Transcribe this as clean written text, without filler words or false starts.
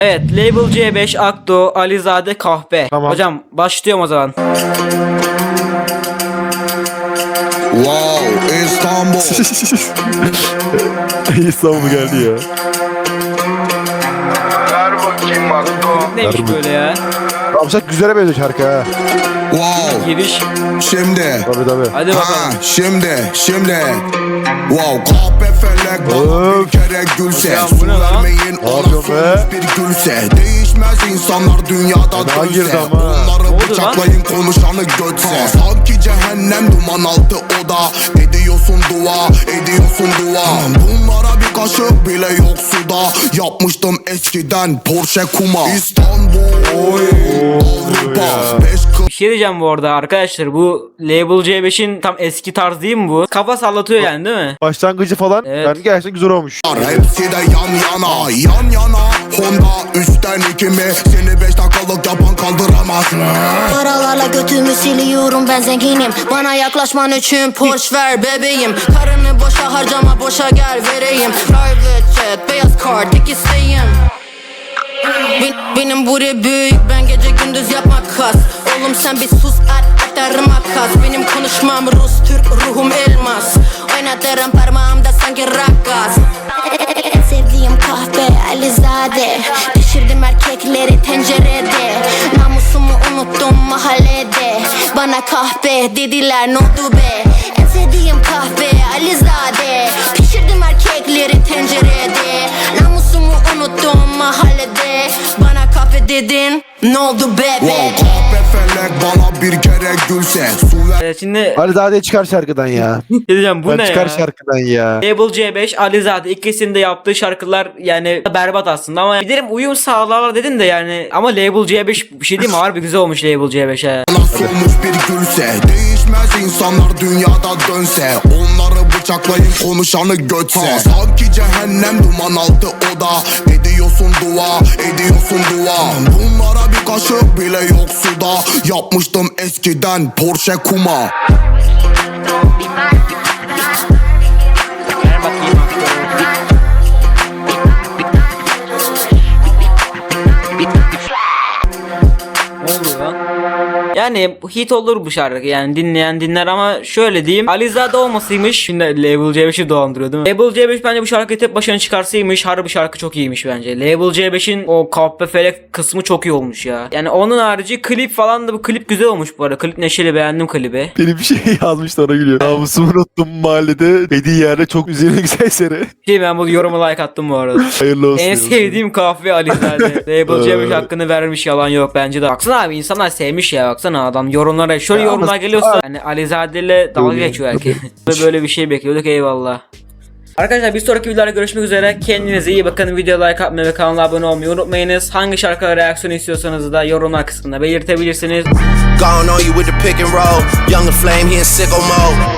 Evet, Label C5, Akdo, Alizade, Kahpe. Tamam. Hocam başlıyorum o zaman. Wow, İstanbul. İstanbul geldi ya. Ver bakayım Akko. Neymiş Harbi. böyle ya? Ramşak güzele benziyor şarkı ha. Wow, Giriş. şimdi. Tabii. Hadi Ha, bakalım. şimdi. Wow, kahpe felek bana bir Öf. kere gülse. Hocam, Su bu ne lan? vermeyin Ne ona yapıyorsun solmuş be? bir gülse. Değişmez insanlar dünyada Fena girdi dönse. ama. Onları Ne oldu bıçaklayın konuşanı götse. Sanki cehennem duman altı oda. Ediyorsun dua, ediyorsun dua. Bunlara bir kaşık bile yok suda. Yapmıştım eskiden Porsche kuma. İstanbul, Avrupa, 5 Bir şey diyeceğim bu arada arkadaşlar, bu Label C5'in tam eski tarz değil mi bu? Kafa sallatıyor yani değil mi? Başlangıcı falan Evet. yani gerçekten güzel olmuş. Hepsi de yan yana, yan yana. Honda 3'ten 2 mi? Seni 5 dakikalık yapan kaldıramaz. Paralarla götümü siliyorum, ben zenginim. Bana yaklaşman için Porsche ver bebeğim. Karını boşa harcama, boşa gel vereyim. Private jet, beyaz kart, tek isteğim. Benim buri büyük, ben gece gündüz yapmak kas. Oğlum sen bir sus, at atarım makas. Benim konuşmam Rus, Türk, ruhum elmas. Oynatırım parmağımda sanki rakkas. En sevdiğim kahve Alizade. Pişirdim erkekleri tencerede. Namusumu unuttum mahallede. Bana kahve dediler, ne oldu be? En sevdiğim kahve Alizade. Pişirdim erkekleri tencerede. Namusumu unuttum mahallede. Bana kahve dedin, ne oldu bebe? Wow, kahpe felek bana bir kere gülse. Su ver. Evet, şimdi Alizade çıkar şarkıdan ya. ne diyeceğim, bu Ben ne çıkar ya? şarkıdan ya. Label C5, Alizade, ikisinin de yaptığı şarkılar yani berbat aslında ama bilirim uyum sağlarlar dedin de yani, ama Label C5 bir şey değil mi? Harbi güzel olmuş Label C5 he. Bana solmuş bir gülse. Değişmez insanlar dünyada dönse. Onları bıçaklayın konuşanı götse. Sanki cehennem duman altı oda. Ediyorsun dua, ediyorsun dua. Bunlara bir kaşık bile yok suda. Yapmıştım eskiden Porsche kuma. Ver bakayım. Ne oluyor lan? Yani hit olur bu şarkı, yani dinleyen dinler ama şöyle diyeyim, Alizade olmasıymış. Şimdi Label C5'i dolandırıyor değil mi? Label C5 bence bu şarkıyı tek başına çıkarsaymış harbi şarkı çok iyiymiş bence. Label C5'in o kahpe felek kısmı çok iyi olmuş ya. Yani onun harici klip falan da, bu klip güzel olmuş bu arada. Klip neşeli, beğendim klibi. Benim bir şey yazmıştı, ona gülüyor. Namusumu unuttum mahallede. Dediği yerde çok üzerine güzel seri. Ben bu yoruma like attım bu arada. Hayırlı olsun. En sevdiğim kahve Alizade. Label C5 hakkını vermiş, yalan yok bence de. Baksana abi, insanlar sevmiş ya, baksana adam yorumlara. Şöyle Ya yorumlar ama- geliyorsa hani Alizade ile dalga Öyle. geçiyor herkes. Böyle bir şey bekliyorduk, eyvallah. Arkadaşlar bir sonraki videolarda görüşmek üzere. Kendinize iyi bakın. Videoya like atmayı ve kanala abone olmayı unutmayınız. Hangi şarkılara reaksiyon istiyorsanız da yorumlar kısmında belirtebilirsiniz. Gone on you with the pick and roll. Younger flame, he in sicko mode.